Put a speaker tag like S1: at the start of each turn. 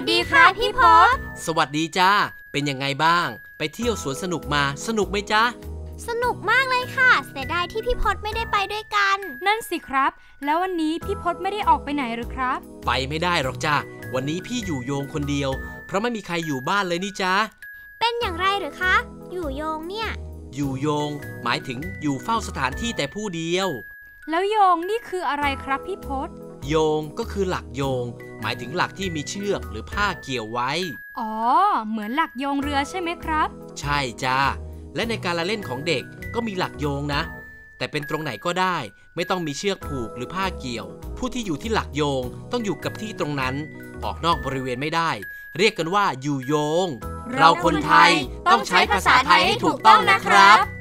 S1: สดีครับพี่พศ
S2: สวัสดีจ้าเป็นยังไงบ้างไปเที่ยวสวนสนุกมาสนุกไหมจ๊ะ
S1: สนุกมากเลยค่ะเสียดายที่พี่พศไม่ได้ไปด้วยกัน
S3: นั่นสิครับแล้ววันนี้พี่พศไม่ได้ออกไปไหนหรือครับ
S2: ไปไม่ได้หรอกจ้าวันนี้พี่อยู่โยงคนเดียวเพราะไม่มีใครอยู่บ้านเลยนี่จ๊ะ
S1: เป็นอย่างไรหรือคะอยู่โยงเนี่ย
S2: อยู่โยงหมายถึงอยู่เฝ้าสถานที่แต่ผู้เดียว
S3: แล้วโยงนี่คืออะไรครับพี่พศ
S2: โยงก็คือหลักโยงหมายถึงหลักที่มีเชือกหรือผ้าเกี่ยวไว้
S3: อ๋อเหมือนหลักโยงเรือใช่ไหมครับ
S2: ใช่จ้าและในการละเล่นของเด็กก็มีหลักโยงนะแต่เป็นตรงไหนก็ได้ไม่ต้องมีเชือกผูกหรือผ้าเกี่ยวผู้ที่อยู่ที่หลักโยงต้องอยู่กับที่ตรงนั้นออกนอกบริเวณไม่ได้เรียกกันว่าอยู่โยงเราคนไทยต้องใช้ภาษาไทยให้ถูกต้องนะครับ